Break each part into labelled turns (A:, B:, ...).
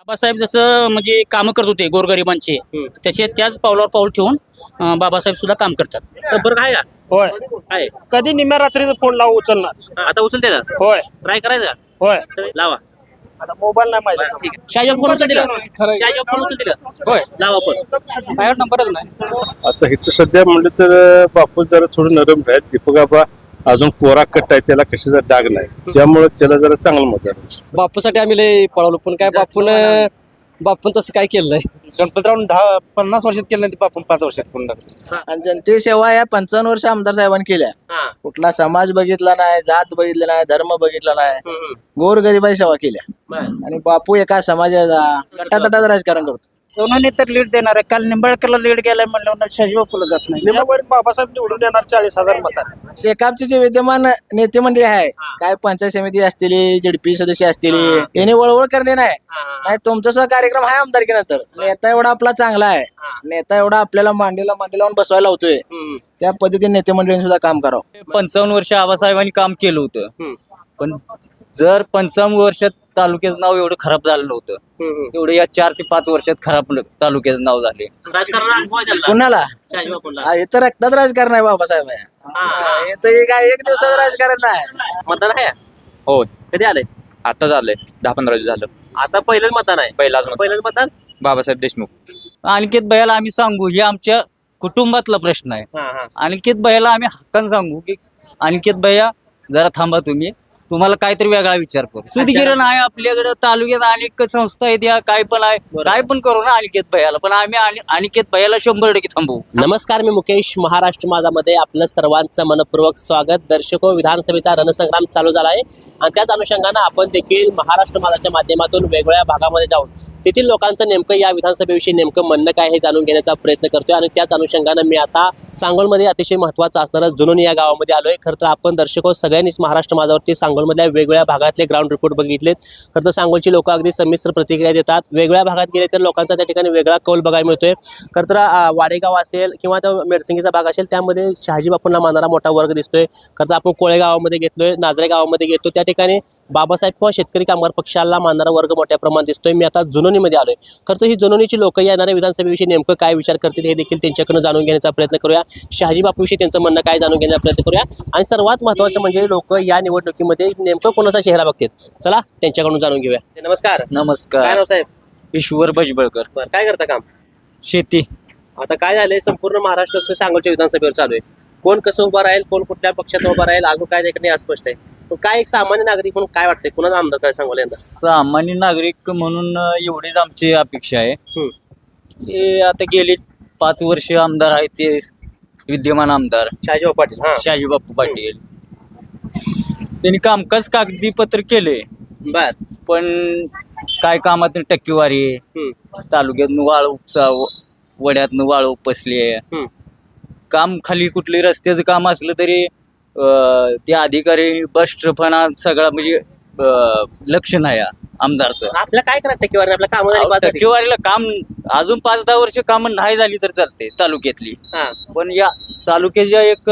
A: बाबासाहेब जसं म्हणजे कामं करत होते गोरगरिबांचे त्याचे त्याच पावलावर पाऊल ठेवून बाबासाहेब सुद्धा काम करतात.
B: संपर्क आहे का?
C: होय.
B: आहे.
C: कधी निम्या रात्रीचा फोन लावून उचलणार.
B: आता उचलते का?
C: होय
B: ट्राय करायचा?
C: होय.
B: लावा.
C: आता मोबाईल नाही
B: बरं,
C: माहिती.
B: ठीक आहे. शाहजीबाब फोन उचल दिला. शाहजीबाब फोन उचल दिला.
A: होय.
B: लावा फोन.
A: माझ्यावर नंबरच नाही.
D: आता हिचं सध्या म्हणलं तर बापू जरा थोडं नरम आहे. दीपक आबा अजून कोरा कट्टा आहे, त्याला कशाचा डाग नाही, त्यामुळे त्याला जरा चांगलं मत आहे.
E: बापूसाठी आम्ही लय पळवलो पण काय बापून तसं काय केलं नाही.
F: गणपतराव 50 वर्षात केलं नाही, आपण 5 वर्षात करून टाकलं.
G: आणि जनते सेवा या 55 वर्ष आमदार साहेबांनी केल्या.
B: हा.
G: कुठला समाज बघितला नाही, जात बघितला नाही, धर्म बघितला नाही,
B: हम्म.
G: गोरगरिबाई सेवा केल्या.
B: बरं.
G: आणि बापू एका समाजाचा गटातटाचं राजकारण करतो.
C: सोनवणे तर लीड देणार आहे. काल निंबाळकरला लीड गेलाय म्हणलं शाहजीबापूला जात नाही. निंबाळकर बाबासाहेब निवडून येणार 40,000 मतात.
G: शेकापचे जे विद्यमान नेते मंडळी आहे, काय पंचायत समिती असतील, जेडपी सदस्य असतील, यांनी वळवळ करणे नाही. तुमचा सुद्धा कार्यक्रम आहे आमदारकीनंतर. नेता एवढा आपला चांगला आहे, नेता एवढा आपल्याला मांडीला लावून बसवायला होतोय, त्या पद्धतीने नेते मंडळींनी सुद्धा काम करावं.
H: 55 वर्ष आबासाहेबांनी काम केलं होतं. पण जर 55 वर्षात तालुक्याचं नाव एवढं खराब झालं नव्हतं, एवढं या 4 ते 5 वर्षात खराब तालुक्याचं नाव झाले.
B: राजकारणाला अनुभव आहे त्याला.
G: कुणाला?
B: शाहजीबापूला.
G: हे तर रक्तात राजकारण आहे बाबासाहेब. हे तर काय एक दिवसाचं राजकारण नाही.
B: मतदान आहे?
H: हो,
B: कधी आलंय?
H: आता झालंय 10-15 दिवस झालं.
B: आता पहिलंच मतदान आहे.
H: पहिलाच
B: पहिलंच मतदान.
H: बाबासाहेब देशमुख. अनिकेत भैयाला आम्ही सांगू, हे आमच्या कुटुंबातला प्रश्न आहे.
B: हा, हा.
H: अनिकेत भैयाला आम्ही हक्कान सांगू की अनिकेत भैया जरा थांबा, तुम्हाला काहीतरी वेगळा विचार करू. सुदगिरण आहे आपल्याकडे तालुक्यात, अनेक संस्था आहेत, या काय पण आहे, काय पण करू ना अनिकेत भैयाला. पण आम्ही अनिकेत भैयाला 100% थांबवू.
B: नमस्कार, मी मुकेश. महाराष्ट्र माझामध्ये आपलं सर्वांचं मनपूर्वक स्वागत. दर्शको, विधानसभेचा रणसंग्राम चालू झाला आहे आणि त्याच अनुषंगानं आपण देखील महाराष्ट्र माझाच्या माध्यमातून वेगवेगळ्या भागामध्ये जाऊन तेथील लोकांचं नेमकं या विधानसभेविषयी नेमकं म्हणणं काय हे जाणून घेण्याचा प्रयत्न करतोय. आणि त्याच अनुषंगानं मी आता सांगोलमध्ये अतिशय महत्त्वाचं असणारं जुनोनी या गावामध्ये आलोय. खरं तर आपण दर्शको सगळ्यांनीच महाराष्ट्र माझावरती सांगोलमधल्या वेगवेगळ्या भागातले ग्राउंड रिपोर्ट बघितलेत. खरं तर सांगोलची लोक अगदी संमिश्र प्रतिक्रिया देतात. वेगवेगळ्या भागात गेले तर लोकांचा त्या ठिकाणी वेगळा कौल बघायला मिळतोय. खरं तर वाडेगाव असेल किंवा तो मेडसिंगीचा भाग असेल, त्यामध्ये शहाजीबापूंना मानणारा मोठा वर्ग दिसतोय. खरं तर आपण कोळे गावामध्ये घेतलोय, नाझरे गावामध्ये घेतो, त्या ठिकाणी बाबासाहेब किंवा शेतकरी कामगार पक्षाला मानणारा वर्ग मोठ्या प्रमाणात दिसतोय. मी आता जुनोनीमध्ये आलोय. खरं तर ही जुनोनीची लोक येणाऱ्या विधानसभेविषयी नेमकं काय विचार करतील हे देखील त्यांच्याकडून जाणून घेण्याचा प्रयत्न करूया. शहाजीबापूविषयी त्यांचं म्हणणं काय जाणून घेण्याचा प्रयत्न करूया. आणि सर्वात महत्त्वाचं म्हणजे लोक या निवडणुकीमध्ये नेमकं कोणाचा चेहरा बघतात, चला त्यांच्याकडून जाणून घेऊया. नमस्कार. काय
H: नमस्कार.
B: नाव साहेब?
H: ईश्वर भजबळकर.
B: बरं, काय करता काम?
H: शेती.
B: आता काय झालंय, संपूर्ण महाराष्ट्र सांगोलच्या विधानसभेवर चालू आहे. कोण कसं उभं राहील, कोण कुठल्या पक्षात उभं राहील, अजून काय देखणे अस्पष्ट आहे. पण काय एक सामान्य नागरिक म्हणून काय वाटतंय, कुणाचा आमदार काय सांगोल यंदा?
H: सामान्य नागरिक म्हणून एवढीच आमची अपेक्षा आहे. हे आता गेली 5 वर्ष आमदार आहेत ते विद्यमान आमदार
B: शहाजीबापू पाटील. हा,
H: शहाजीबापू पाटील. त्यांनी कामकाज कागदीपत्र केले,
B: बर.
H: पण काय कामात टक्केवारी, तालुक्यातनं वाळू उपसा, वड्यातनं वाळू उपसली आहे. काम खाली कुठली रस्त्याचं काम असलं तरी ते अधिकारी बस ट्रफना सगळा म्हणजे लक्ष नाही आमदारचं.
B: आपल्या काय करा टक्केवारी, आपल्या काम
H: टक्केवारीला काम अजून 5-10 वर्ष काम नाही झाली तर चालते तालुक्यातली. पण या तालुक्याच्या एक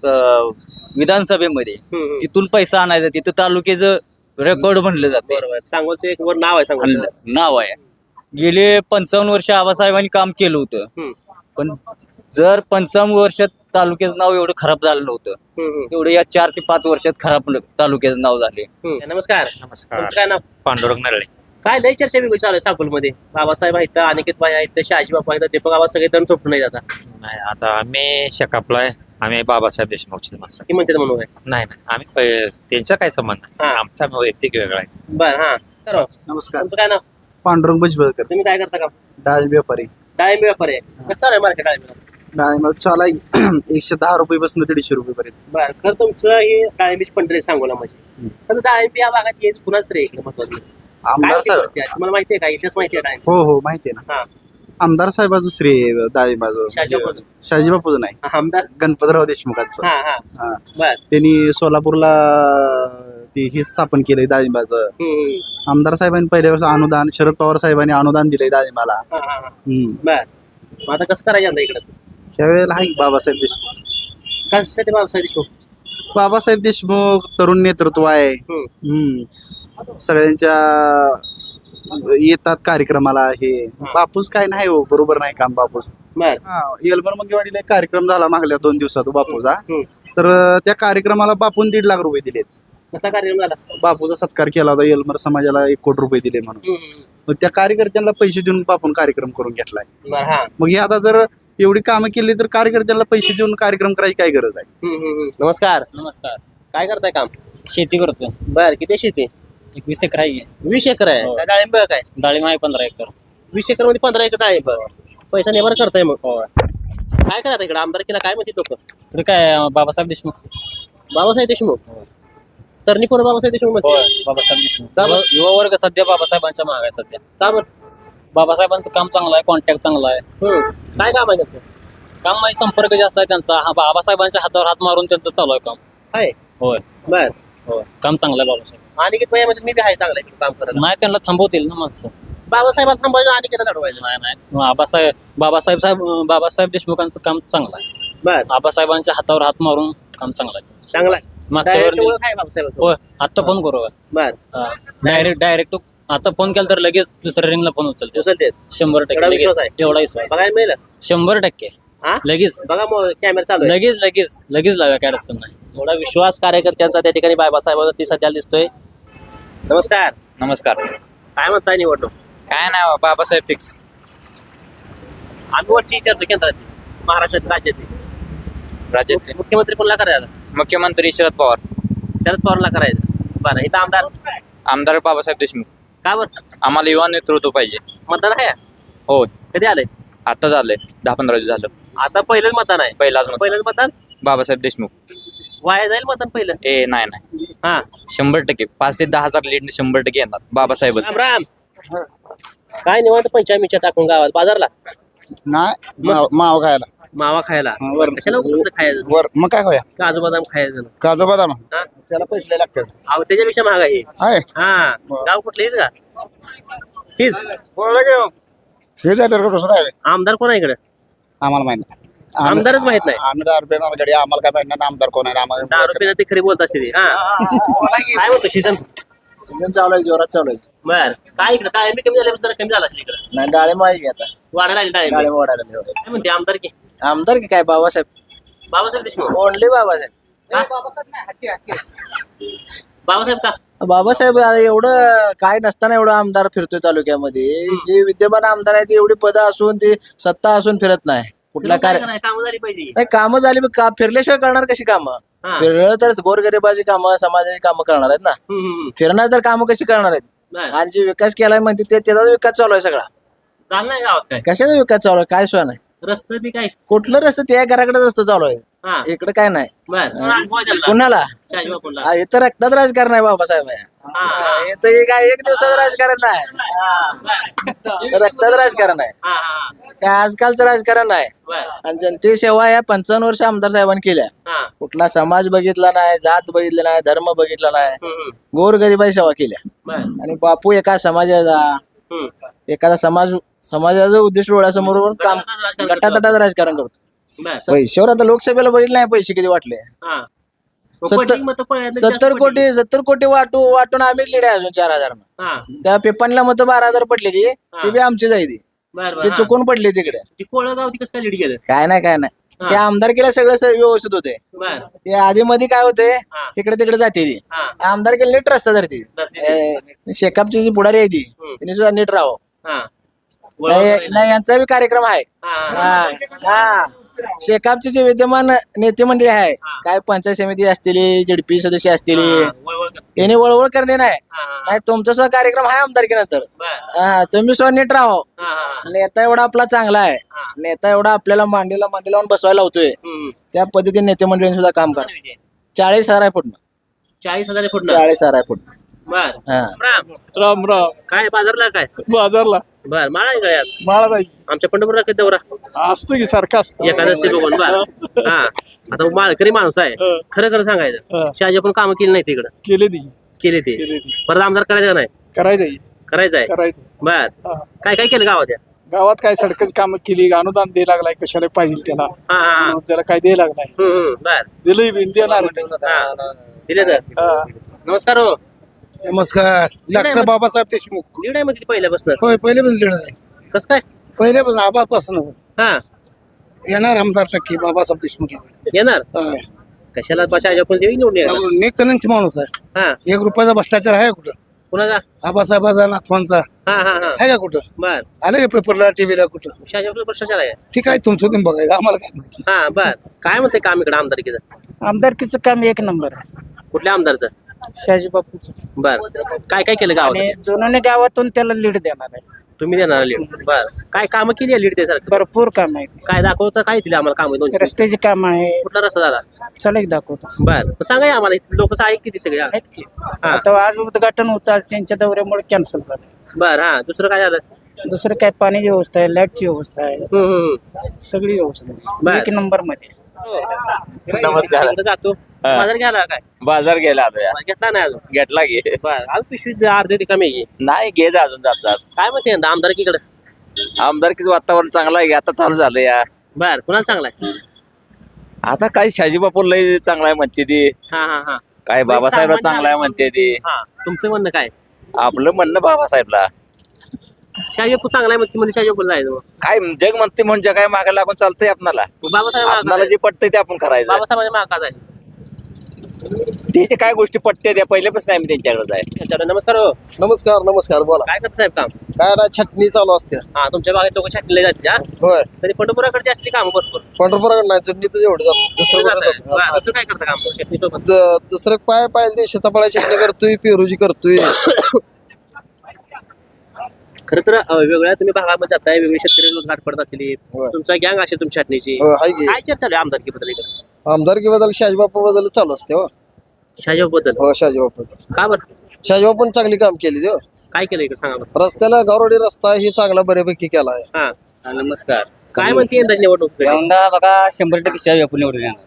H: विधानसभेमध्ये तिथून पैसा आणायचा, तिथं तालुक्याचं रेकॉर्ड म्हणलं जाते.
B: बरोबर. सांगोलचं एक वर नाव आहे, सांगोल
H: नाव आहे. गेले 55 वर्ष आबासाहेबांनी काम केलं होतं. पण जर 55 वर्षात तालुक्याचं नाव एवढं खराब झालं नव्हतं, एवढं या 4 ते 5 वर्षात खराब तालुक्याचं नाव झाले.
B: नमस्कार.
F: नमस्कार.
B: तुमचं काय नाव?
F: पांडुरंग नरळे.
B: काय लय चर्चा वेगळी चालू आहे सांगोलमध्ये. बाबासाहेब आहेत, अनिकेत भाई आहेत, शहाजीबापू आहेत, दीपक आबा सगळे दम थोपटून नाही जातात.
F: नाही, आता आम्ही शेकापला आहे. आम्ही बाबासाहेब देशमुखची माणसं.
B: ती म्हणते म्हणून आहे.
F: नाही, आम्ही त्यांचा काय संबंध नाही. आमचा वैयक्तिक वेगळा आहे.
B: बरं. हा, तर
C: नमस्कार.
B: तुमचं काय नाव?
C: पांडुरंग भजबळकर.
B: तुम्ही काय करता काम?
C: डाळिंब व्यापारी.
B: डाळिंब व्यापार आहे. कसं चालू आहे मार्केट डाळिंब?
C: डाळिंब चाला 110 रुपयापासून 150 रुपयेपर्यंत.
B: बरं. खरं तुमचं हे डाळिंबीची पंढरी सांगोला म्हणजे. तर डाळिंब या भागात यायचं कुणाच रे महत्वाचं?
C: आमदार साहेब.
B: तुम्हाला माहिती आहे का, इतिहास माहिती आहे डाळिंब?
C: हो माहिती आहे
B: हा.
C: ना. आमदार साहेबाचं श्रेय डाळिंबाचं.
B: शहाजीबापूचं.
C: शहाजीबापूचं नाही,
B: आमदार
C: गणपतराव देशमुखांचं.
B: हा हा.
C: हा.
B: बर.
C: त्यांनी सोलापूरला ते हे स्थापन केलंय डाळिंबाचं. आमदार साहेबांनी पहिल्यापासून अनुदान, शरद पवार साहेबांनी अनुदान दिलंय डाळिंबाला.
B: बर. मग आता कसं करायचं यंदा इकडं?
C: त्यावेळेला आहे बाबासाहेब देशमुख.
B: कशासाठी बाबासाहेब देशमुख?
C: बाबासाहेब देशमुख तरुण नेतृत्व आहे. सगळ्यांच्या येतात कार्यक्रमाला हे बापूस काय नाही हो बरोबर नाही काम बापूस
B: बर
C: येलबर मंगेवाडीला एक कार्यक्रम झाला मागल्या 2 दिवसात बापूचा
B: हम्म.
C: तर त्या कार्यक्रमाला बापून 1.5 लाख रुपये दिलेत.
B: कसा कार्यक्रम झाला
C: बापूचा सत्कार केला होता येलमर समाजाला 1 कोटी रुपये दिले म्हणून. मग त्या कार्यकर्त्यांना पैसे देऊन बापून कार्यक्रम करून घेतलाय.
B: बर हा
C: मग हे आता जर एवढी कामं केली तर कार्यकर्त्यांना पैसे देऊन कार्यक्रम करायची काय गरज आहे.
B: नमस्कार
A: नमस्कार.
B: काय करताय काम
A: शेती करतोय.
B: बर किती आहे शेती
A: 21 एकर आहे.
B: 20 एकर आहे
A: हो.
B: काय डाळिंब काय
A: डाळिंब आहे 15 एकर.
B: 20 एकर मध्ये 15 एकर डाळिंब पैसा नेवर करताय मग
A: हो.
B: काय करायचं इकडे आमदारकीला काय म्हणते लोक
A: इकडे काय बाबासाहेब देशमुख.
B: बाबासाहेब देशमुख तरणी पोरं बाबासाहेब देशमुख म्हणते
A: बाबासाहेब देशमुख.
B: का बरं?
A: युवा वर्ग सध्या बाबासाहेबांच्या मागे आहे सध्या.
B: का बरं
A: बाबासाहेबांचं काम चांगलं आहे, कॉन्टॅक्ट चांगला आहे.
B: काय काम आहे त्यांचं
A: काम म्हणजे संपर्क जास्त आहे त्यांचा. हा बाबासाहेबांच्या हातावर हात मारून त्यांचं चालू आहे काम.
B: आहे
A: होय
B: बर
A: होय काम चांगलं आहे बाबासाहेब.
B: आणि किती म्हणजे मी बी आहे चांगलं इकडे काम करायला
A: नाही त्यांना थांबवतील ना माणसं.
B: बाबासाहेब थांबायचं आणि किती लढवायचं
A: नाही नाही बाबासाहेब देशमुखांचं काम चांगलं आहे.
B: बर
A: आबासाहेबांच्या हातावर हात मारून काम चांगलं आहे त्यांचं.
B: चांगला आहे
A: मागच्या
B: Direct
A: वेळी
B: ओळख आहे बाबासाहेब
A: होय आता फोन करू
B: बर
A: डायरेक्ट आता फोन केला तर लगेच दुसऱ्या रिंगला फोन उचलते.
B: उचलते
A: 100%
B: एवढा विश्वास
A: लगेच.
B: आहे?
A: एवढा विश्वास
B: बघायला मिळेल
A: 100%
B: हा
A: लगेच
B: बघा मग कॅमेरा चालू आहे
A: लगेच लाव्या काय अडचण नाही.
B: एवढा विश्वास कार्यकर्त्यांचा त्या ठिकाणी बाबासाहेबांवरती सध्या दिसतोय. नमस्कार
F: नमस्कार.
B: काय म्हणताय निवडणूक
F: काय नाही बाबासाहेब फिक्स.
B: आम्ही वरची विचारतो केंद्राची महाराष्ट्रातील राज्यातील
F: राज्यातले
B: मुख्यमंत्री कोणला करायचा
F: मुख्यमंत्री शरद पवार.
B: शरद पवारला करायचं बरं इथं आमदार
F: आमदार बाबासाहेब देशमुख.
B: का बरं
F: आम्हाला युवा नेतृत्व पाहिजे.
B: मतदान आहे
F: हो
B: कधी आलंय
F: आता झालंय 10-15 दिवस झालं.
B: आता पहिलंच मतदान आहे
F: पहिलाच
B: पहिलंच मतदान
F: बाबासाहेब देशमुख.
B: वाया जाईल मतदान पहिलं
F: नाही
B: हा
F: 100% 5 ते 10,000 लीड 100% येणार बाबासाहेब.
B: राम राम काय निवांत पंचायमीच्या टाकून गावात बाजारला
C: नाही माव खायला
B: मावा खायला
C: वर
B: कशाला कसं खायचं
C: वर मग काय होया
B: काजू बदाम खायचं
C: काजू बदाम
B: हा?
C: त्याला पैसे लागतात
B: अहो त्याच्यापेक्षा महाग आहे
C: आहे
B: हा गाव कुठलं हीच का हीच
C: हे जाय तर दुसरं आहे
B: आमदार कोण आहे इकडे
C: आम्हाला माहित नाही
B: आमदारच माहित नाही
C: आम्ही 10 रुपये गाडी आम्हाला काय माहित नाही आमदार कोण आहे आम्हाला
B: 10 रुपये ते खरी बोलत असते ती. हा काय म्हणतो सीझन
G: सीझन चालू आहे जोरात चालू आहे.
B: बर काय इकडे डाळिंबी कमी झाल्यापासून जरा कमी झाला असेल इकडे
G: नाही डाळिंब आहे की आता
B: वाढायला आली डाळिंबी
G: डाळिंब वाढायला लागले.
B: काय म्हणते आमदार की
G: आमदार की काय बाबासाहेब
B: बाबासाहेब देशमुख
G: ओनली बाबासाहेब.
B: बाबासाहेब का
G: बाबासाहेब आता एवढं काय नसताना एवढं आमदार फिरतोय तालुक्यामध्ये. जे विद्यमान आमदार आहेत एवढी पदं असून ते सत्ता असून फिरत नाही कुठला कार्य
B: काम झाली पाहिजे
G: नाही. कामं झाली मग का फिरल्याशिवाय करणार कशी कामं.
B: हा.
G: फिरलं तर गोरगरिबाची कामं समाजाची कामं करणार आहेत ना. फिरणार तर कामं कशी करणार आहेत.
B: बर.
G: आणि जे विकास केलाय म्हणते त्याचाच विकास चालू आहे सगळा.
B: झालं नाही गावात काय
G: कशाचा विकास चालू आहे काय सोय नाही.
B: रस्ते ती काय
G: कुठलं रस्ते त्या घराकडे रस्ता चालू आहे
B: हा
G: इकडे काय नाही.
B: बर अनुभव आहे त्याला.
G: कुणाला
B: शाहजी बापूंला.
G: हा, इथं रक्तात राजकारण आहे बाबासाहेब.
B: हा.
G: इथं हे काय एक दिवसाचं राजकारण नाही.
B: बर.
G: रक्तात राजकारण आहे
B: हा, हा,
G: काय आजकालचं राजकारण आहे.
B: बर.
G: आणि जनते सेवा या 55 वर्ष आमदार साहेबांनी केल्या.
B: हा.
G: कुठला समाज बघितला नाही जात बघितला नाही धर्म बघितला नाही.
B: हम्म,
G: गोरगरिबाई सेवा केल्या.
B: बर.
G: आणि बापू एका समाजाचा
B: हम्म.
G: एखादा समाजाचं उद्दिष्ट डोळ्यासमोर काम गटातटात राजकारण करतो.
B: बर.
G: पैशावर आता लोकसभेला बघितलं नाही पैसे किती वाटले.
B: हा. मग
G: 70
B: पडली मतं पडली, जास्त
G: 70 कोटी वाटून आम्हीच लिडे अजून 4000.
B: हा.
G: त्या पेपनला मत 12,000 पडलेली ती बी आमची जायची.
B: बर, बर,
G: ती
B: हा.
G: चुकून पडली तिकडे.
B: ती कोळगाव ती कसं काय लीड गेलं
G: काय नाही
B: हा.
G: ते आमदार केल्या सगळं व्यवस्थित होते.
B: बर.
G: ते आधी मध्ये काय होते
B: हा.
G: इकडे तिकडे जाते ती
B: हा.
G: आमदार केले नीट रस्ता धरती.
B: धरती
G: शेकापची जी पुढारी आहे ती
B: हम्म.
G: तिने सुद्धा नीट राहावं.
B: हा.
G: नाही यांचा बी कार्यक्रम आहे.
B: हा.
G: हा शेकापचे जे विद्यमान नेते मंडळी आहे काय पंचायत समिती असतील जेडपी सदस्य असतील
B: वळवळ कर.
G: यांनी वळवळ करणे नाही.
B: हा, हा,
G: नाही तुमचा सुद्धा कार्यक्रम आहे आमदारकीनंतर.
B: बर.
G: हा तुम्ही सुद्धा नीट राहावं.
B: हा, हा,
G: नेता एवढा आपला चांगला आहे.
B: हा.
G: नेता एवढा आपल्याला मांडीला लावून बसवायला होतोय.
B: हम्म.
G: त्या पद्धतीने नेते मंडळींनी सुद्धा काम करा.
B: विजय.
G: 40,000 आहे फुटणं
B: 40,000 फुट
G: 40,000 आहे फुटणं.
B: बर.
G: हा
B: राम
E: राम राम
B: काय बाजारला काय
E: बाजारला
B: बर माळा आहे गळ्यात
E: माळा नाही
B: आमच्या पंढरपूरला कधी दौरा
E: असतो की सारखा असतो.
B: एखादं बघून बर हा आता माळकरी माणूस आहे
E: हं.
B: खरं खरं सांगायचं
E: हं.
B: शहाजी पण कामं केली नाही तिकडं
E: केले ती
B: केले ते परत आमदार करायचं का नाही
E: करायचं
B: करायचं आहे
E: करायचं.
B: बर
E: हा.
B: काय काय केलं गावात या
E: गावात काय सडकच काम केली अनुदान द्यायला लागलाय कशाला पाहिजे त्याला
B: हा हा
E: म्हणून त्याला काय द्यायला लागलाय
B: बर
E: दिलंय बी देणार
B: हा. दिले तर
E: हा.
B: नमस्कार हो नमस्कार
I: डॉक्टर बाबासाहेब देशमुख
B: लीड आहे म्हणते पहिल्यापासून
I: होय पहिल्यापासून लीड आहे
B: कसं काय
I: पहिल्यापासून आबापासून
B: हा
I: येणार आमदार टक्के बाबासाहेब देशमुख
B: येणार
I: होय.
B: कशाला आपण देवी निवडून येणार
I: नेकनंच माणूस आहे
B: हा
I: 1 रुपयाचा भ्रष्टाचार आहे कुठं
B: कुणाचा
I: आबासाहेबाचा नाथवांचा
B: हा हा हा
I: आहे का कुठं
B: बर
I: आलं का पेपरला टीव्हीला कुठं
B: शाहजीपूर भ्रष्टाचार आहे
I: ठीक आहे तुमचं तुम्ही बघायचं आम्हाला काय माहिती
B: हा बर काय म्हणते काम इकडे आमदारकीचं
G: आमदारकीचं काम एक नंबर आहे
B: कुठल्या आमदारचं
G: शहाजी बापूचं
B: बर काय काय केलं गावात
G: आणि जुनोनी गावातून त्याला लीड देणार आहे
B: तुम्ही देणार लीड बर काय कामं केली आहे लीड ते सारखं
G: भरपूर काम आहे
B: काय दाखवतं काय दिलं आम्हाला काम दोन
G: रस्त्याची काम आहे
B: कुठला रस्ता झाला
G: चला एक दाखवतो
B: बर मग सांगा या आम्हाला लोक ऐक किती सगळे
G: आहेत की आता आज उद्घाटन होतं आज त्यांच्या दौऱ्यामुळे कॅन्सल झालं
B: बर हा दुसरं काय झालं
G: दुसरं काय पाण्याची व्यवस्था आहे लाईटची व्यवस्था आहे सगळी व्यवस्था
B: बर.
G: आहे एक नंबर मध्ये
F: नमस्कार.
B: इकडे जातो बाजार घ्यायला काय
F: बाजार गेला आता या
B: घेतला नाही अजून
F: घेतला घे
B: बर आज पिशवी अर्धे रिकामी आहे की.
F: नाही घे जा अजून जात जात
B: काय म्हणते यंदा आमदारकीकडे
F: आमदारकीचं वातावरण चांगलं आहे आता चालू झालं या
B: बर कुणाला चांगला आहे
F: आता काय शाजी बापू लय चांगला आहे म्हणते ती
B: हा हा हा
F: काय बाबासाहेबला चांगला आहे म्हणते ती
B: हा तुमचं म्हणणं काय
F: आपलं म्हणणं बाबासाहेबला
B: शाहजीपूर चांगला आहे म्हणते म्हणजे शाहजीपूर जायचं मग.
F: काय जग म्हणते म्हणजे काय मागे लागून चालतंय आपणाला
B: बाबासाहेब
F: आपणाला जे पटतंय ते आपण करायचं
B: बाबासाहेबांच्या मागा जायचं
F: त्याचे काय गोष्टी पटते त्या पहिल्यापासून आम्ही त्यांच्याकडे आहे
B: त्याच्यावर नमस्कार हो
I: नमस्कार नमस्कार बोला
B: काय करत साहेब काम
I: काय ना छटणी चालू असते
B: हा तुमच्या भागात लोक छाटले जाते हा
I: होय
B: तरी पंढरपुराकडे असली काम भरपूर
I: पंढरपुराकडे नाही चटणी तर एवढं जात दुसरं कुठं जात
B: बरं,
I: नाही.
B: दुसरं काय करता काम शेती सोबत
I: दुसरं पाय पाहिजे शेतापाळा चटणी करतोय पेरूजी करतोय
B: खरं तर वेगळ्या तुम्ही भागामध्ये जाताय वेगळे शेतकरी रोज गाठ पडत असतील
I: होय.
B: तुमचा गँग असेल तुमच्या छाटणीची
I: हो, हाय की
B: काय चर्चा चालू आहे आमदारकीबद्दल इकडे
I: आमदारकी बद्दल शाजीबापू बद्दल चालू असते हो
B: शाहजीबद्दल
I: हो शाजीबापू बद्दल
B: का बरं
I: शाजीबापून चांगली काम केली हो
B: काय केलं इकडे सांगा बरं
I: रस्त्याला गावरोडी रस्ता ही चांगला बऱ्यापैकी केला आहे
B: हा
H: नमस्कार
B: काय म्हणते यंदा निवडणूक
H: यंदा बघा 100% शाहजी बापू निवडून येणार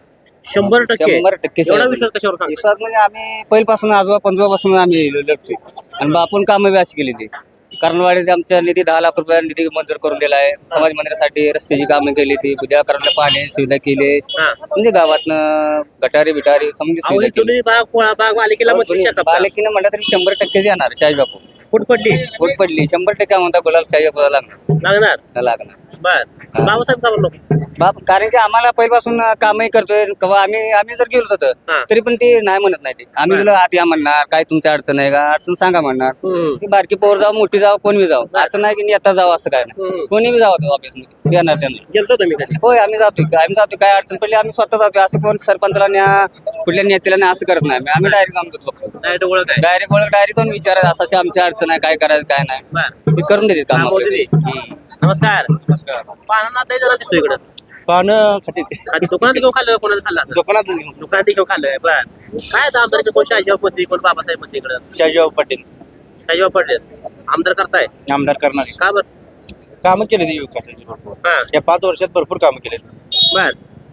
B: 100%
H: 100%
B: एवढा विश्वास कशावर सांगता?
H: विश्वास म्हणजे आम्ही पहिल्यापासून आजोबा पंजोबापासून आम्ही लढतोय आणि बापून कामं बी अशी केली ती कर्णवाडीत आमच्या निधी 10 लाख रुपये निधी मंजूर करून दिला आहे समाज मंदिरासाठी रस्त्याची कामं केली ती बुद्याकरांना पाणी सुविधा केली
B: हा.
H: म्हणजे गावातनं गटारी बिटारी समजी
B: अहो,
H: सुविधा
B: ही जुनी बाग कोळा बाग मालिकेला म्हणते शेतात
H: बालकीनं म्हणलं तरी 100% येणार शाहजी बापू
B: फूट पडली
H: पोट पडली 100% म्हणता गुलाल शाहजी बापूला
B: लागणार
H: लागणार
B: बर बाबासाहेब का म्हणलो
H: बाप कारण की आम्हाला पहिल्यापासून कामही करतोय किंवा आम्ही जर गेलो होतो
B: हा.
H: तरी पण ते नाही म्हणत नाही ते आम्ही गेलो आत या म्हणणार काय तुमची अडचण आहे का अडचण सांगा म्हणणार की बारकी पोर जाऊ मोठी जाऊ कोण बी जाऊ असं नाही की नेता जाऊ असं काय नाही कोणी बी जावं ऑफिस मध्ये येणार त्यांना
B: गेलतो तुम्ही कधी
H: होय आम्ही जातोय काय अडचण पडली आम्ही स्वतः जातोय असं कोण सरपंचला न्या कुठल्या नेत्याला न्या असं करत नाही आम्ही डायरेक्ट जाऊन बघतो
B: डायरेक्ट ओळख आहे
H: डायरेक्ट जाऊन विचारायचं असाची आमची अडचण आहे काय करायचं काय नाही
B: बर
H: ते करून देतात काम
B: मोदी दे. नमस्कार पानांना ते जरा दिसतो इकडं
C: पानं खाते
B: आधी दुकानात घेऊन खाल्लं कोणाचं खाल्लं आता?
C: दुकानात
B: दुकानात घेऊन खाल्लं बर काय आता आमदार कोण शाहजीबाब मध्ये कोण बाबासाहेब मध्ये इकडं
C: शाजीबाबू पाटील
B: शाहजीबाब पडले आमदार करताय
C: आमदार करणारे
B: का बर
C: कामं केले ते विकासाची भरपूर
B: हा
C: या 5 वर्षात भरपूर कामं केले
B: बर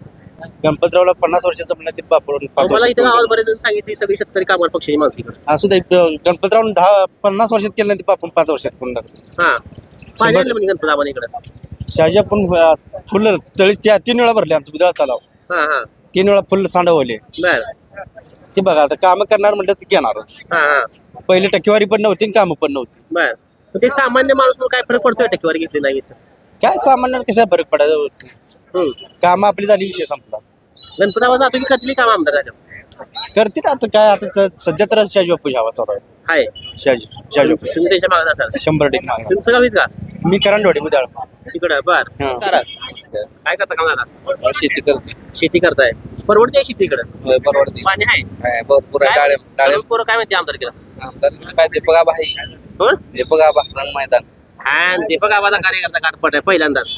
C: गणपतरावला 50 वर्षाचं म्हणलं ते बापूर 5
B: मला इथे गावात
C: वर्षात
B: बरेच जण सांगितली सगळी शेतकरी कामावर पक्षाची माणसं इकडं
C: असू दे गणपतराव 50 वर्षात केलं ते बापून 5 वर्षात करून टाकलं
B: हा पाणी आणलं म्हणजे गणपती आम्हाला इकडं
C: शहाजी आपण फुलं तळी 3 वेळा भरले आमचं बुधळा तलाव
B: हा हा
C: 3 वेळा फुल सांडवले
B: बर
C: ते बघा आता कामं करणार म्हणलं ते घेणार
B: हा हा
C: पहिले टक्केवारी पण नव्हती आणि कामं पण नव्हती
B: बर मग ते सामान्य माणूस म्हणून काय फरक पडतोय टक्केवारी घेतली नाही घेतली?
C: काय सामान्य कशा फरक पडायचं कामं आपली झाली विषय संपला
B: गणपती आवाज तुम्ही करतली काम आमदार झालं
C: करतील आता काय आता सध्या तर शहाजी बापू हवा चालू आहे
B: हाय
C: शहाजी बापू
B: तुम्ही त्यांच्या मागत असाल
C: 100% मागणार.
B: तुमचं गावीच का
C: मी करंडवाडी बुधाळ
B: तिकडं बर
C: हा.
B: करा. काय करता काम दादा
I: शेती करतोय
B: शेती करताय परवडते शेती इकडं
I: परवडते
B: पाणी आहे
I: भरपूर
B: पोरं काय म्हणते आमदार केला
I: आमदार काय दीपक आबा आहे
B: कोण
I: दीपक आबा रंग मैदान
B: हा दीपक आबाचा कार्यकर्ता गाठपट आहे पहिल्यांदाच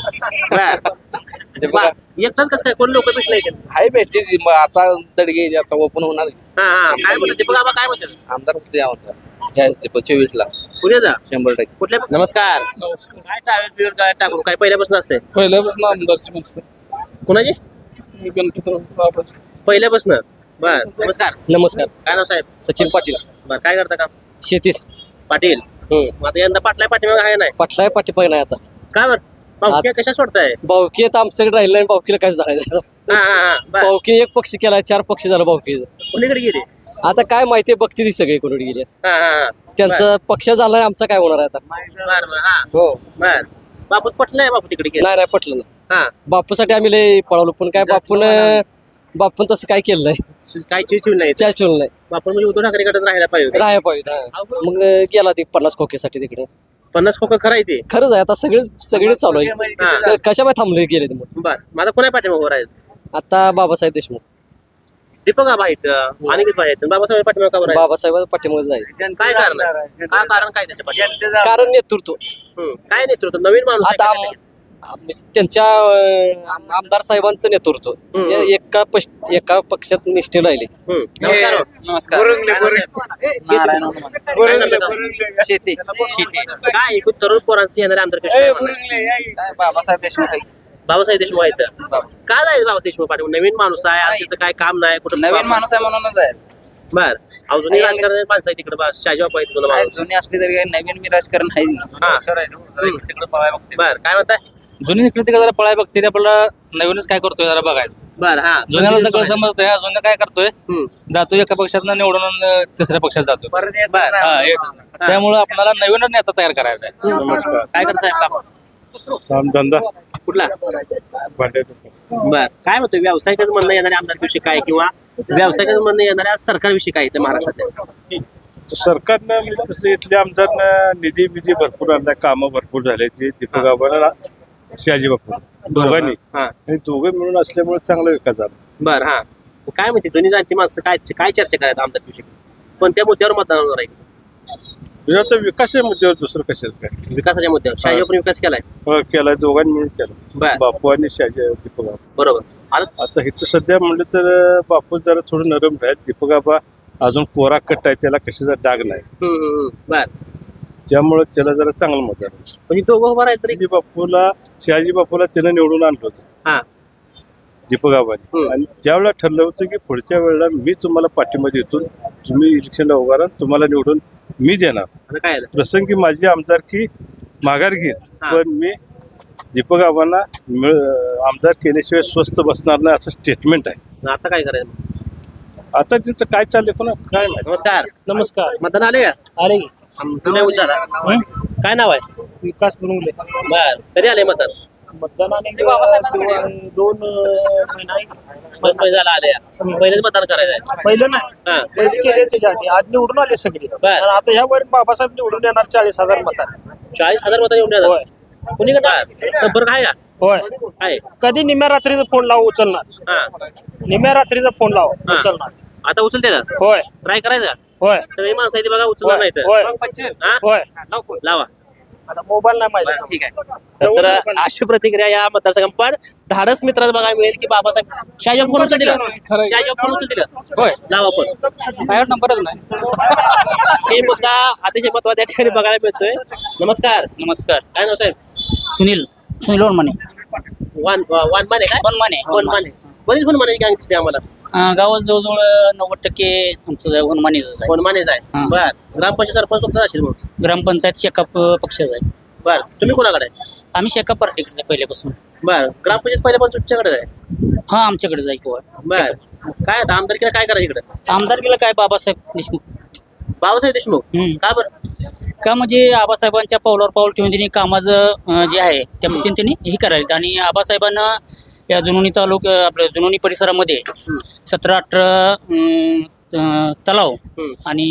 B: बर एकटाच कसं काय कोण लोक भेटले इथे
I: हाय भेटते आता दडगे आता ओपन होणार
B: हा हा काय म्हणतात दीपक आबा काय म्हणतात
I: आमदार होते यायच 24 ला
B: पुढे जा
I: 100%
B: कुठल्या नमस्कार काय टावेल बिवेल काय टाकून काय पहिल्यापासून असते
C: पहिल्यापासून आमदारची माणसं
B: कुणाची
C: गणपतराव
B: पहिल्यापासून बर नमस्कार
E: नमस्कार
B: काय नाव साहेब
E: सचिन पाटील
B: बर काय करता काम
E: शेतीस
B: पाटील मग आता यंदा पाटलाय पाठीमाग आहे नाही
E: पटलाय पाठीपाय नाही आता
B: का बर पाहुक्या कशा सोडताय
E: भाऊकी आता आमच्याकडे राहिलं नाही भाऊकीला काय झालं
B: हा हा हा बर
E: भाऊकी एक पक्षी केलाय 4 पक्षी झालं भाऊकी
B: कोणीकडे गेले
E: आता काय माहिती बघते ती सगळी कोणी गेले
B: हा हा हा
E: त्यांचा पक्ष झाला आमचा काय होणार आहे आता
B: बर बर हा
E: हो
B: बर बापू पटलंय बापू तिकडे गेला
E: नाही पटलं ना
B: हा
E: बापूसाठी आम्ही लय पळवलो पण काय बापून तसं काय केलं नाही
B: काय चिव नाही
E: त्या ठेवलं नाही
B: बापू म्हणजे उद्धव ठाकरेकडे राहायला पाहिजे होते.
E: राहायला पाहिजे हा. मग गेला ती 50 खोक्यासाठी तिकडे
B: 50 खोकं खरं आहे ते
E: खरंच आहे आता सगळे चालू आहे कशा बाय थांबले गेले ते मग
B: बर माझा कोणा पाठीमागं राहायचं
E: आता बाबासाहेब देशमुख
B: दीपक आबा आहेत अनिकेत भाई आहेत बाबासाहेब पाठीमागं का बरं आहे?
E: बाबासाहेब पाठीमागे जाईल
B: काय कारण आहे? काय कारण काय त्याच्या पाठीमागं?
E: कारण नेतृत्व
B: काय नेतृत्व नवीन माणूस आहे
E: आता
B: काय?
E: त्यांच्या आमदार साहेबांचं नेतृत्व ते एका पक्षात निष्ठे राहिले
B: नमस्कार हो.
A: नमस्कार नारायण हनुमान.
B: काय झालं आता?
A: शेती
B: शेती काय एकूण तरुण पोरांचं येणारे आमदार कसे काय म्हणणार?
A: काय बाबासाहेब देशमुख आहे.
B: बाबासाहेब देशमुख आहेत काय जायचं बाबा देशमुख पाठीमागं नवीन माणूस आहे आणि त्याचं काय काम नाही कुठं
A: नवीन माणूस आहे म्हणूनच आहे.
B: बर अजूनही राजकारण माणसं आहे तिकडे बस शाहजी बापू आहेत तुला
A: काय
B: माणूस.
A: जुनी असली तरी काही नवीन मी राजकारण आहे.
B: हा बर काय म्हणताय
J: जुनी इकडे तिकडे जरा पळाय बघते ते आपल्याला नवीनच काय करतोय जरा बघायचं.
B: बर हा
J: जुन्याला सगळं समजतंय जुनं काय करतोय
B: हम्म.
J: जातो एका पक्षात निवडून आणि तिसऱ्या पक्षात जातो
B: बर
J: हा येतो. त्यामुळे आपल्याला नवीनच नेता तयार करायचा आहे.
B: नमस्कार काय करताय काम
D: काम धंदा
B: कुठला
D: भांडे
B: बर काय म्हणतोय व्यावसायिकच म्हणणं येणाऱ्या आमदारविषयी काय किंवा व्यावसायिकच म्हणणं येणाऱ्या सरकारविषयी काय इथं महाराष्ट्रात
D: सरकारनं म्हणजे तसं इथल्या आमदारनं निधी भरपूर आणला कामं भरपूर झाले ते दीपक आबाला शहाजी बापू दोघांनी
B: हा
D: आणि दोघे मिळून असल्यामुळे चांगला विकास झाला.
B: बर हा काय म्हणते जुनी जाणती माणसं काय काय चर्चा करायचं आमदारविषयी कोणत्या मुद्द्यावर मतदान होणार आहे
D: म्हणजे आता विकासाच्या मुद्द्यावर दुसरं कशाचं काय
B: विकासाच्या मुद्द्यावर शाहजी बापूंनी विकास केलाय
D: केलाय दोघांनी मिळून केला
B: बर
D: बापू आणि शहाजी दीपक आबा.
B: बरोबर
D: आता इथं सध्या म्हणलं तर बापू जरा थोडं नरम राहील दीपक आबा अजून कोरा कट आहे त्याला कशाचा डाग नाही
B: बर
D: त्यामुळे त्याला जरा चांगलं मत आहे.
B: म्हणजे दोघं उभं राहिले तरी
D: शहाजी बापूला त्यानं निवडून आणलं होतं
B: हा
D: दीपक आबाने आणि त्यावेळेला ठरलं होतं की पुढच्या वेळेला मी तुम्हाला पाठिंबा देतो तुम्ही इलेक्शनला उभा राहा तुम्हाला निवडून मी देणार
B: आता काय झालं?
D: प्रसंगी माझी आमदारकी माघार घेईन
B: हा.
D: पण मी दीपक आबांना आमदार केल्याशिवाय स्वस्त बसणार नाही असं स्टेटमेंट आहे.
B: आता काय करायचं
D: आता त्यांचं काय चाललंय पण काय माहिती.
B: नमस्कार
E: नमस्कार
B: मतदान आले का
E: अरे
B: तुम्ही उच्चारा काय नाव आहे
E: विकास बनवले
B: बर कधी आले मतदान
E: दोन
B: दोन महिने झाला आले पहिलेच मतदान करायचं आहे
E: पहिलं नाही
B: हा
E: पहिले केले त्याच्या आधी आज निवडून आले सगळे
B: बर.
E: आता ह्या वर बाबासाहेब निवडून येणार 40,000 मतात
B: 40,000 मतं येऊन येतात कुणी करणार संपर्क आहे का
E: होय
B: आहे
E: कधी निम्या रात्रीचा फोन लाव उचलणार
B: हा
E: निम्या रात्रीचा फोन लाव
B: हा.
E: उचलणार
B: आता उचलते ना
E: होय
B: ट्राय करायचा
E: होय
B: सगळी माणसं आहे ती बघा उचलणार नाही तर
E: होय
B: हा?
E: होय
B: लावा
E: आता मोबाईल नाही
B: बरं,
E: माहिती
B: ठीक आहे तर अशी प्रतिक्रिया या मतदारसंघात पण धाडस मित्राला बघायला मिळेल की बाबासाहेब शाहजी फोन उचल दिलं शाहजी फोन उचल दिलं
A: होय
B: लावा पण
A: माझ्यावर नंबरच नाही.
B: हे मुद्दा अतिशय महत्वाचा त्या ठिकाणी बघायला मिळतोय नमस्कार
A: नमस्कार
B: काय नाव साहेब
A: सुनील वनमाने
B: वानमाने काय वनमाने बरीच वनमाने गँग दिसते आम्हाला
A: गावात जवळजवळ 90% आमचं वनमानेच आहे.
B: वनमानेच आहे
A: हा.
B: बर ग्रामपंचायत सरपंच तुमचा असेल मग
A: ग्रामपंचायत शेकाप पक्षाचा आहे.
B: बर तुम्ही कोणाकडे आहे
A: आम्ही शेकाप पार्टीकडे आहे पहिल्यापासून.
B: बर ग्रामपंचायत पहिल्या पण तुमच्याकडे आहे
A: हा आमच्याकडे जाय किंवा
B: बर काय आता आमदारकीला काय करायचं इकडे
A: आमदारकीला काय बाबासाहेब देशमुख.
B: बाबासाहेब देशमुख
A: हम्म.
B: का बरं
A: का म्हणजे आबासाहेबांच्या पावलावर पाऊल ठेवून त्यांनी कामाचं जे आहे त्या पद्धतीने त्यांनी हे करायला आणि आबासाहेबांना या जुनोनी आपल्या जुनोनी परिसरामध्ये 17-18 तलाव आणि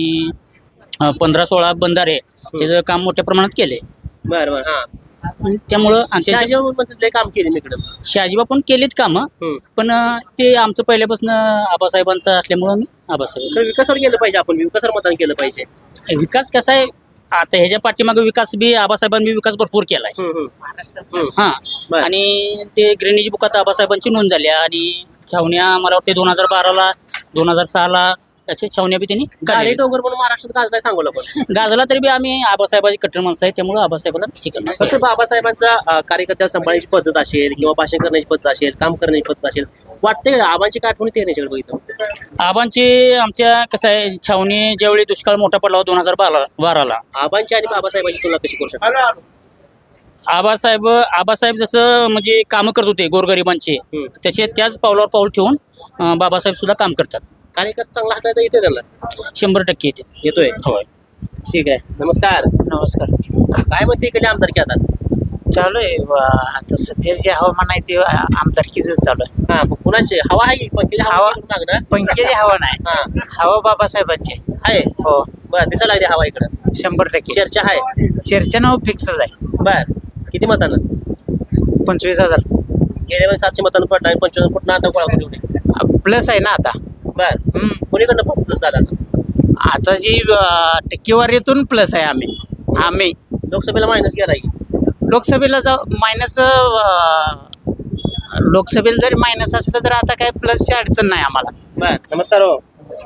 A: 15-16 बंधारे याचं काम मोठ्या प्रमाणात केले.
B: बर बर हा
A: आणि त्यामुळं
B: शहाजी काम केले मी इकडे
A: शहाजीबा पण केलीत कामं पण ते आमचं पहिल्यापासून आबासाहेबांचं असल्यामुळं मी आबासाहेब.
B: तर विकासावर गेलं पाहिजे आपण विकासावर मतदान केलं पाहिजे
A: विकास कसा आहे आता ह्याच्या पाठीमागे विकास बी आबासाहेबांनी विकास भरपूर केलाय. हा आणि ते ग्रेनेज बुकात आबासाहेबांची नोंद झाली आणि छावण्या मला वाटते 2012ला 2006ला त्याचे छावण्या बी त्यांनी
B: गाडी डोंगर म्हणून महाराष्ट्रात गाजलाय सांगू आपण
A: गाजला तरी बी आम्ही आबासाहेबाची कट्टर माणसं आहे त्यामुळे आबासाहेबाला हे करणार.
B: फक्त बाबासाहेबांचा कार्यकर्त्या सांभाळण्याची पद्धत असेल किंवा भाषण करण्याची पद्धत असेल काम करण्याची पद्धत असेल वाटते का आबांची काय आठवणी ते याच्याकडे बघितलं
A: आबांची आमच्या कसं आहे छावणी ज्यावेळी दुष्काळ मोठा पडला 2012ला
B: आबांची आणि बाबासाहेबांची तुलना कशी करू शकतो
A: आबासाहेब जसं म्हणजे कामं करत होते गोरगरिबांचे त्याचे त्याच पावलावर पाऊल ठेवून बाबासाहेब सुद्धा काम करतात.
B: कार्यकर्ता चांगला हाताळता येते त्यांना
A: 100% येते.
B: येतोय
A: होय.
B: ठीक आहे. नमस्कार.
J: नमस्कार.
B: काय म्हणते इकडे आमदारकी आता?
J: चालू आहे आता सध्या जे हवामान आहे ते आमदारकीच चालू आहे.
B: हा मग कुणाचे हवा आहे पंकजा
J: हवा-
B: मागणं
J: पंकजी हवा नाही,
B: हा
J: हवा बाबासाहेबांची
B: आहे.
J: हो.
B: बर दिसायला लागली हवा इकडं
J: 100%
B: चर्चा आहे.
J: चर्चा नाव फिक्सच आहे.
B: बर किती मतानं?
J: 25,000
B: गेल्या वेळेस 700 मतानं पडला आणि 25 कुठं आता गोळा करून एवढे.
J: प्लस आहे ना आता.
B: बर कोणीकडनं प्लस झाला आता?
J: आता जी टक्केवारीतून प्लस आहे. आम्ही
B: लोकसभेला मायनस गेला की
J: लोकसभेला मायनस लोकसभेला जरी मायनस असलं तर आता काय प्लसची अडचण नाही आम्हाला.
B: बर नमस्कार हो.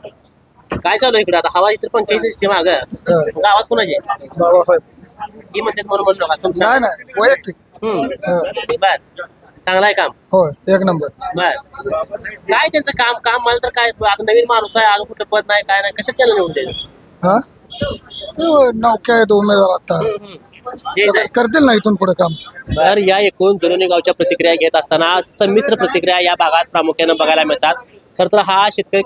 B: काय चालू आहे इकडे आता? हवा इतर पंकज दिसते माग गावात कोणाचे
I: बाबासाहेब
B: ही म्हणतात म्हणून म्हणलो का तुमचं?
I: नाही नाही वैयक्तिक
B: बर चांगला आहे काम.
I: होय एक नंबर.
B: बर काय त्यांचं काम मला तर काय आता नवीन माणूस आहे, अजून कुठं पद नाही काय नाही, कशात त्याला निवडून द्यायचं?
I: हा ते नौक्या आहेत उमेदवार आता करतील ना इथून पुढे काम.
B: तर या एकूण जुनोनी गावच्या प्रतिक्रिया घेत असताना संमिश्र प्रतिक्रिया या भागात प्रामुख्याने बघायला मिळतात. खरं तर हा शेतकरी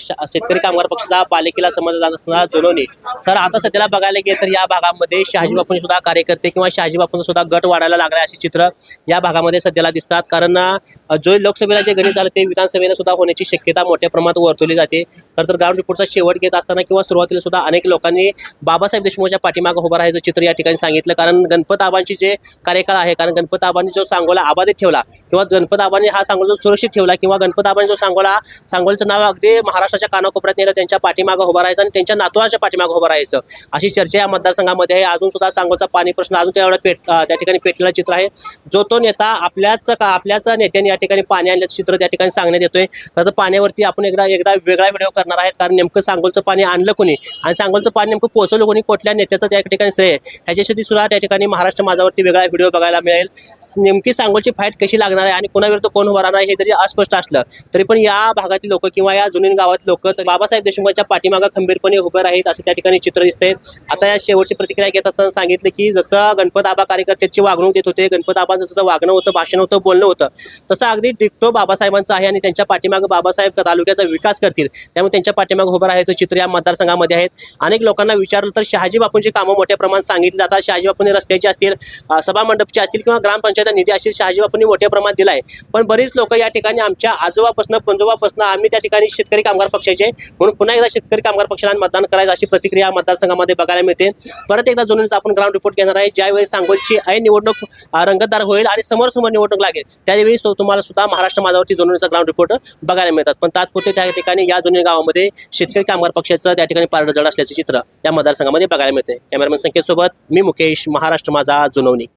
B: कामगार पक्षाचा पालिकेला समजला जात असताना जुनोनी. तर आता सध्याला बघायला गेलं तर या भागामध्ये शहाजी बापूंचे सुद्धा कार्यकर्ते किंवा शहाजी बापूंचा सुद्धा गट वाढायला लागला अशी चित्र या भागामध्ये सध्याला दिसतात. कारण जो लोकसभेला जे गणित झालं ते विधानसभेला सुद्धा होण्याची शक्यता मोठ्या प्रमाणात वर्तवली जाते. खरं तर ग्राउंड रिपोर्टचा शेवट घेत असताना किंवा सुरुवातीला सुद्धा अनेक लोकांनी बाबासाहेब देशमुखच्या पाठीमागे उभं राहायचं चित्र या ठिकाणी सांगितलं. कारण गणपत आबांची जे कार्यकाळ आहे, कारण गणपत आबांनी जो सांगोला आबादित ठेवला किंवा गणपत आबांनी हा सांगोला जो सुरक्षित ठेवला किंवा गणपत आबांनी जो सांगोलचं नाव अगदी महाराष्ट्राच्या कानाकोपऱ्यात नेलं, त्यांच्या पाठीमागं उभं राहायचं आणि त्यांच्या नातवाच्या पाठीमागं उभं राहायचं अशी चर्चा या मतदारसंघामध्ये आहे. अजून सुद्धा सांगोलचा पाणी प्रश्न अजून त्या ठिकाणी पेटलेला चित्र आहे. जो तो नेता आपल्याच नेत्याने या ठिकाणी पाणी आणल्याचं चित्र त्या ठिकाणी सांगण्यात येतोय. खरं तर पाण्यावरती आपण एकदा वेगळा व्हिडिओ करणार आहेत. कारण नेमकं सांगोलचं पाणी आणलं कोणी आणि सांगोलचं पाणी नेमकं पोहोचवलं कोणी, कुठल्या नेत्याचं त्या ठिकाणी श्रेय ह्याच्यासाठी सुद्धा त्या ठिकाणी महाराष्ट्र माझावरती वेगळा व्हिडिओ बघायला मिळेल. नेमकी सांगोलची फाईट कशी लागणार आहे आणि कोणाविरुद्ध कोण उभा राहणार हे जरी अस्पष्ट असलं तरी पण या भागातील लोक किंवा या जुनी गावातील लोक तर बाबासाहेब देशमुखच्या पाठीमागं खंबीरपणे उभे राहीत असं त्या ठिकाणी चित्र दिसतंय. आता या शेवटची प्रतिक्रिया घेत असताना सांगितलं की जसं गणपत आबा कार्यकर्त्याची वागणूक देत होते, गणपत आबांचं जसं वागणं होतं, भाषण होतं, बोलणं होतं, तसं अगदी डिक्टो बाबासाहेबांचं आहे आणि त्यांच्या पाठीमागं बाबासाहेब तालुक्याचा विकास करतील. त्यामुळे त्यांच्या पाठीमागं उभं राहायचं चित्र या मतदारसंघामध्ये आहेत. अनेक लोकांना विचारलं तर शहाजी बापूंची कामं मोठ्या प्रमाणात सांगितली जातात. शहाजी बापूंनी रस्त्याची असतील, सभा मंडपची असतील किंवा ग्रामपंचायत निधी असतील, शहाजी बापूंनी मोठ्या प्रमाणात दिलाय. पण बरीच लोक या ठिकाणी आमच्या आजोबापासून पंजोबापासून आम्ही त्या ठिकाणी शेतकरी कामगार पक्षाचे म्हणून पुन्हा एकदा शेतकरी कामगार पक्षाला मतदान करायचं अशी प्रतिक्रिया मतदारसंघामध्ये बघायला मिळते. परत एकदा जुनोनीचा आपण ग्राउंड रिपोर्ट घेणार आहे. ज्यावेळी सांगोलची ऐन निवडणूक रंगतदार होईल आणि समोर निवडणूक लागेल त्यावेळी तुम्हाला सुद्धा महाराष्ट्र माझावरती जुनोनीचा ग्राउंड रिपोर्ट बघायला मिळतात. पण तात्पुरते त्या ठिकाणी या जुनी गावामध्ये शेतकरी कामगार पक्षाचं त्या ठिकाणी पारडं जड असल्याचे चित्र या मतदारसंघामध्ये बघायला मिळते. कॅमेरामॅन संकेत सोबत मी मुकेश, महाराष्ट्र माझा, जुनोनी.